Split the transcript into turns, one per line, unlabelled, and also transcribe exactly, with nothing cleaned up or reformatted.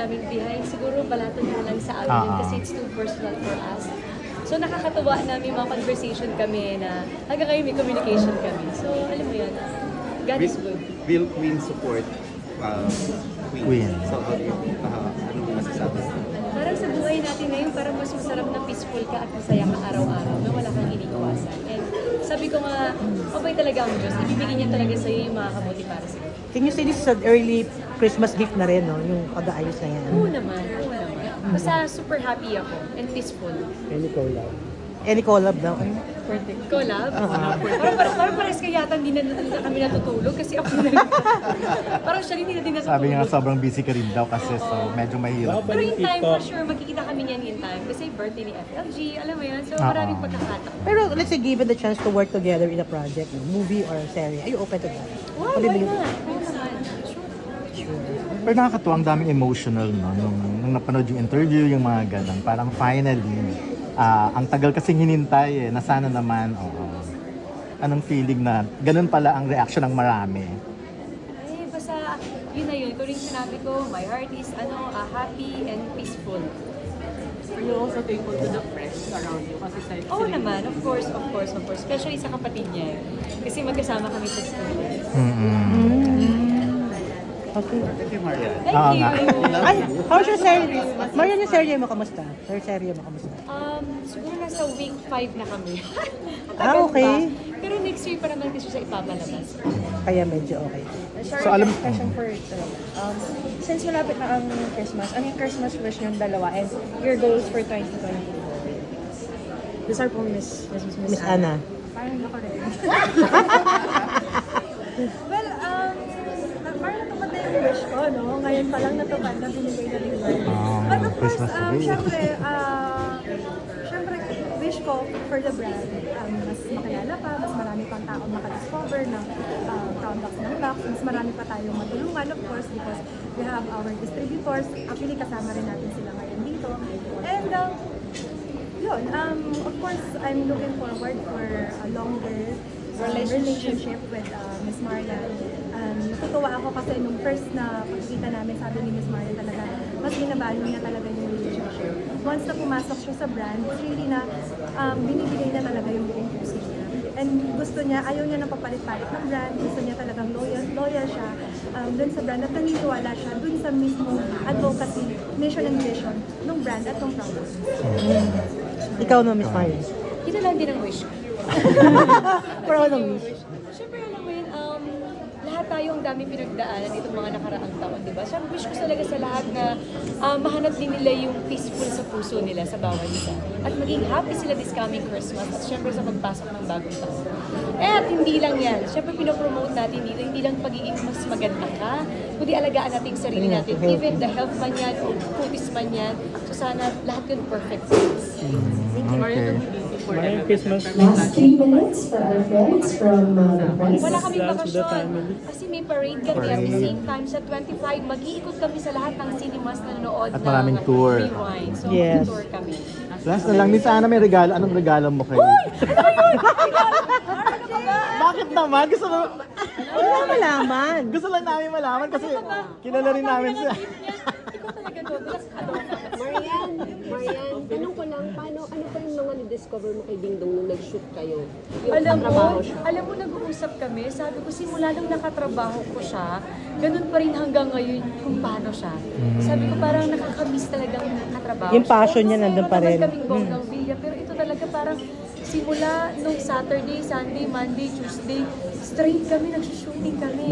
aming behind, siguro balato na lang sa amin yun
Ah.
kasi it's too personal for us. So nakakatuwa na may mga conversation kami na hanggang ngayon may communication kami. So alam mo yan, God is good.
Will Queen support uh, Queen.
Queen.
So, how do you, uh, ano mo masasabi?
Parang sa buhay natin ngayon, parang mas masarap na peaceful ka at masaya ka araw-araw na wala kang iniiwasan. And sabi ko nga, okay talaga ang Diyos. Ibibigay niya talaga sa iyo yung makakabuti para sa iyo.
Can you say this is an early Christmas gift na rin, no? Yung pag-aayos na yan.
Oo naman, oo naman. Basta super happy ako and peaceful.
Any collab? Any collab daw?
Collab? Parang, parang, parang pares kaya yata hindi na, na kami natutulog kasi ako na parang siya rin hindi na din natutulog.
Sabi niya nga sobrang busy ka rin daw kasi so medyo mahirap.
Pero in time, for sure, magkikita kami niyan in time. Kasi birthday ni F L G, alam mo yan. So maraming
Oo.
pagkakataon.
Pero let's say given the chance to work together in a project, no? Movie or series, are you open to that?
Wow,
Ano
why
din-
not? Oo naman. Sure.
Pero nakakatuwa, ang daming emotional no nung, nung napanood yung interview, yung mga ganun. Parang finally, ah, ang tagal kasing hinintay eh, na sana naman, oo. Anong feeling na ganun pala ang reaction ng marami?
Ay, basta yun na yun. Kung rin sinabi ko, my heart is ano, ah, happy and peaceful.
Are you also thankful to the friends around you? Kasi sa
Oo naman, of course, of course, of course. Especially sa kapatid niya. Kasi magkasama kami sa school.
Okay.
Thank you, Maria.
Thank
Oo
you!
nga.
Ay, how's your series? Marian, yung serye mo, kamusta? Your serye mo, kamusta?
Um, siguro nasa week five na kami. Ang
Ah,
tagal
okay.
pa. Pero next year pa naman kasi siya ipapalabas.
Kaya medyo okay.
Sorry,
So, alam-
question for ito. Um, since malapit na ang Christmas, ano yung Christmas wish nyo dalawa and your goals for twenty twenty-four? These are po Miss, Miss, Miss,
Miss Ana.
Parang ako rin. Well, um, na- parang natupad na yung wish ko, no? Ngayon pa lang natupad na binigay na rin Lord.
Ah,
But of course,
Christmas
um,
tree.
syempre, uh, syempre, wish ko for the brand, um, mas makilala pa, mas marami pang tao makadiscover ng uh, products ng Lux, mas marami pa tayong matulungan, of course, because we have our distributors. Actually, kasama rin natin sila ngayon dito. And, um, yun, um, of course, I'm looking forward for a longer um, relationship with uh, Miss Marian. Um, natutuwa ako kasi nung first na pagkita namin, sabi ni Miss Marian talaga, mas binavalue niya talaga yung relationship. Once na pumasok siya sa brand, really na um, binibigay na talaga yung buong puso niya. And gusto niya, ayaw niya na papalit-palit ng brand, gusto niya talagang loyal, loyal siya um, dun sa brand at naniniwala siya dun sa mismong advocacy, mission and vision ng brand at ng product.
Ikaw no, Miss Marian.
Ito lang din ang wish ko.
Proud ng wish.
Siyempre, alam mo yun, um, lahat tayo ang dami pinagdaanan itong mga nakaraang taon, di ba? So, wish ko talaga sa lahat na um, mahanap din nila yung peaceful sa puso nila sa bawat isa. At maging happy sila this coming Christmas at siyempre sa pagpasok ng bagong taon. Eh, at hindi lang yan. Siyempre, pinopromote natin dito, hindi lang pagiging mas maganda ka, kundi alagaan natin yung sarili natin. Even the health man yan o cuties man yan. So, sana lahat yun perfect.
Okay.
Merry Christmas.
Last three minutes for our friends from uh, the Voice.
Wala kaming
Plans with the
bakasyon.
family.
Kasi may parade kami at the same time sa twenty-five, mag-iikot kami sa lahat ng cinemas na nanood
At maraming
ng
tour.
Rewind. So,
Yes.
tour kami.
Last na lang, Miss Ana, may regalo. Anong regalo mo kayo? Bakit naman? Gusto mo,
Wala malaman.
gusto lang namin malaman kasi kilala rin namin siya.
Ikaw talaga doon.
Marian, Marian, tanong ko lang, paano, ano pa yung mga na-discover mo kay Ding Dong nung nag-shoot kayo? Yung
Alam mo,
katrabaho siya.
alam mo, nag-uusap kami. Sabi ko, simula nung nakatrabaho ko siya, ganun pa rin hanggang ngayon kung paano siya. Sabi ko, parang nakakamiss talagang katrabaho
Yung passion niya
Kasi
nandun pa rin.
matagal kaming bonggang villa, pero ito talaga parang simula nung Saturday, Sunday, Monday, Tuesday, straight kami, nagsushooting kami.